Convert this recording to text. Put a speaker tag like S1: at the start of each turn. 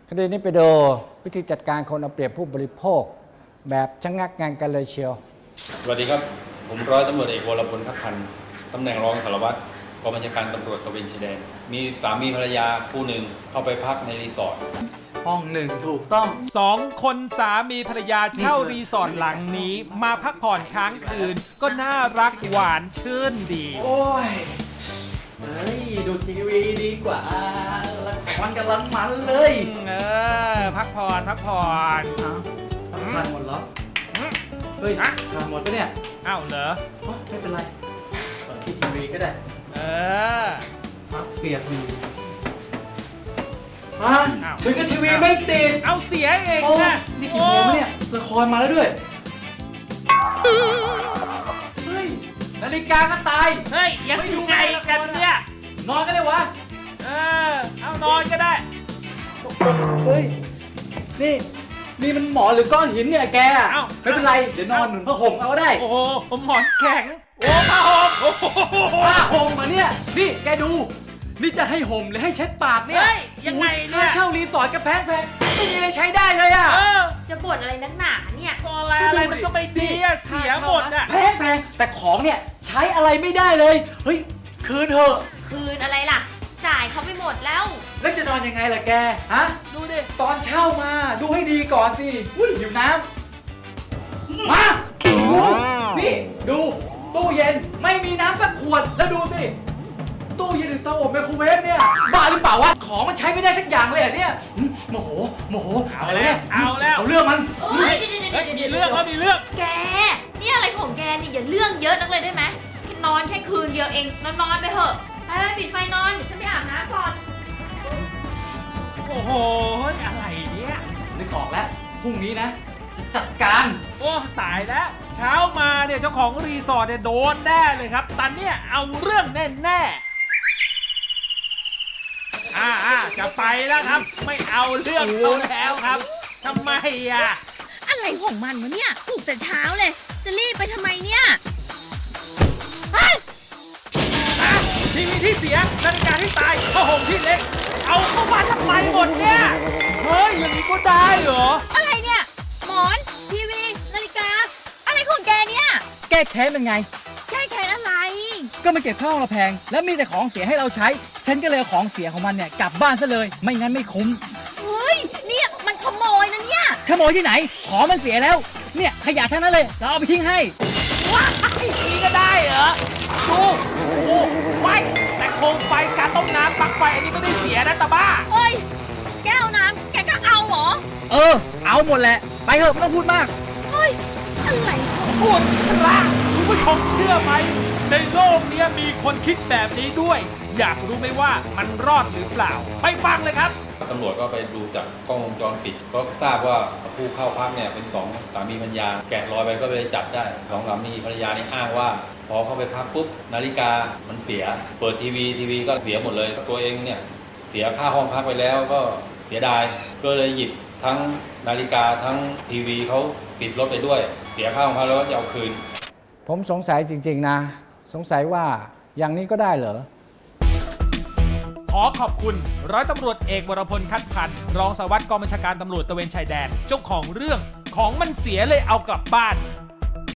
S1: คดีนี้ไปดูวิธีจัดการคนเอาเปรียบผู้บริโภคแบบชะงักงานกันเลยเชียว
S2: สวัสดีครับผมร้อยตำรวจเอกวรพลทัพพันธ์ตำแหน่งรองสารวัตรกองบัญชาการตำรวจตระเวนชายแดนมีสามีภรรยาคู่หนึ่งเข้าไปพักในรีสอร์ท
S3: ห้องหนึ่งถูกต้อง
S4: 2 คนสามีภรรยาเช่ารีสอร์ทหลังนี้มาพักผ่อนค้างคืนก็น่ารักหวานชื่นดี
S3: โอ้ยเฮ้ยดูทีวีดีกว่าละครกำลังมันเลย
S4: พักผ่อน
S3: ทานหมดเหรอเฮ้ยทานหมดปะเนี่ย
S4: อ้าวเหรอ
S3: ไม่เป็นไรเปิดทีวีก็ได้พักเสียบอยู่ถึงกับทีวีไม่ติด
S4: เอาเสียเองนะ
S3: นี่กี่โมงเนี่ยละครมาแล้วด้วยเฮ้ยนาฬิกาก็ตาย
S4: เฮ้ยยังไงกันเนี่ย
S3: นอนก็ได้วะ
S4: เอานอนก็ได้
S3: เฮ้ยนี่มันหมอนหรือก้อนหินเนี่ยแกไม่เป็นไรเดี๋ยวนอนหนุนผ้าห่มเอาได้
S4: โอ้โหหมอนแข็งโอ้ผ้าห่ม
S3: ผ้าห่มมาเนี่ยนี่แกดูนี่จะให้ห่มหรือให้เช็ดปากเนี่ย
S4: ยังไงเนี่ย
S3: ค่าเช่ารีสอร์ทกับแพงไม่มีอะไรใช้ได้เลย
S5: จะบ่นอะไรนักหนาเนี่ย
S4: อะไรมันก็ไม่ดีเสียหมด
S3: แพงแต่ของเนี่ยใช้อะไรไม่ได้เลยเฮ้ยคืนเถอะ
S5: คืนอะไรล่ะจ่ายเขาไปหมดแล้ว
S3: จะนอนยังไงล่ะแกฮะ
S4: ดูดิ
S3: ตอนเช่ามาดูให้ดีก่อนสิหิวน้ำมานี่ดูตู้เย็นไม่มีน้ำสักขวดแล้วดูสิตู้เย็นหรือเตาอบไมโครเวฟเนี่ยบ้าหรือเปล่าวะของมันใช้ไม่ได้สักอย่างเลยอ่ะเนี่ยโมโห
S4: เอาแล้ว
S3: เรื่องมัน
S4: มีเรื่อง
S5: แกนี่อะไรของแกนี่อย่าเรื่องเยอะนักเลยได้ไหมนอนแค่คืนเดียวเองนอนไปเถอะไปปิดไฟนอนเดี๋ยวฉันไปอาบน้ำก่อน
S4: โอ้โหอะไรเนี่ย
S3: นึกออกแล้วพรุ่งนี้นะจะจัดการ
S4: โอ้ตายแล้วเช้ามาเนี่ยเจ้าของรีสอร์ทเนี่ยโดนแน่เลยครับตอนเนี้ยเอาเรื่องแน่จะไปแล้วครับไม่เอาเรื่องเขาแล้วครับทำไม
S5: อะไรของมันวะเนี่ยปลุกแต่เช้าเลยจะรีบไปทำไมเนี่ย
S4: ทีวีที่เสียนาฬิกาที่ตายผ้าห่มที่เล็กเอาเข้ามาทำไมหมดเนี่ยเฮ้ยอย่างนี้ก็ได้เหรอ
S5: อะไรเนี่ยหมอนทีวีนาฬิกาอะไรของแกเนี่ย
S3: แก้แค้นเป็นไง
S5: แก้แค้นอะไร
S3: ก็มันเก็บข้าวเราแพงแล้วมีแต่ของเสียให้เราใช้ฉันก็เลยของเสียของมันเนี่ยกลับบ้านซะเลยไม่งั้นไม่คุ้ม
S5: เฮ้ยเนี่ยมันขโมยนะเนี่ย
S3: ขโมยที่ไหนของมันเสียแล้วเนี่ยขยะทั้งนั้นเลยเราเอาไปทิ้งให้
S4: ว้ายนี่ก็ได้เหรอดูโอ้ว้ายแต่โคมไฟการต้มน้ำปลั๊กไฟอันนี้ไม่ได้เสียนะตาบ้า
S5: เฮ้ยแก้วน้ำแกก็เอาเหรอ
S3: เอาหมดแหละไปเถอะไม่ต้องพูดมาก
S5: เฮ้ยอะไร
S4: พูดละคุณผู้ชมเชื่อไหมในโลกนี้มีคนคิดแบบนี้ด้วยอยากรู้ไหมว่ามันรอดหรือเปล่าไปฟังเลยครับ
S2: ตำรวจก็ไปดูจากกล้องวงจรปิดก็ทราบว่าผู้เข้าพักเนี่ยเป็น2 สามีภรรยาแกะรอยไปก็เลยจับได้2 สามีภรรยานี่อ้างว่าพอเข้าไปพักปุ๊บนาฬิกามันเสียเปิดทีวีก็เสียหมดเลยตัวเองเนี่ยเสียค่าห้องพักไปแล้วก็เสียดายก็เลยหยิบทั้งนาฬิกาทั้งทีวีเขาติดรถไปด้วยเสียค่าห้องพักแล้วจะเอาคืน
S1: ผมสงสัยจริงๆนะสงสัยว่าอย่างนี้ก็ได้เหรอ
S4: ขอขอบคุณร้อยตำรวจเอกวรพลทัพพันธ์รองสารวัตรกองบัญชาการตำรวจตระเวนชายแดนเจ้าของเรื่องของมันเสียเลยเอากลับบ้าน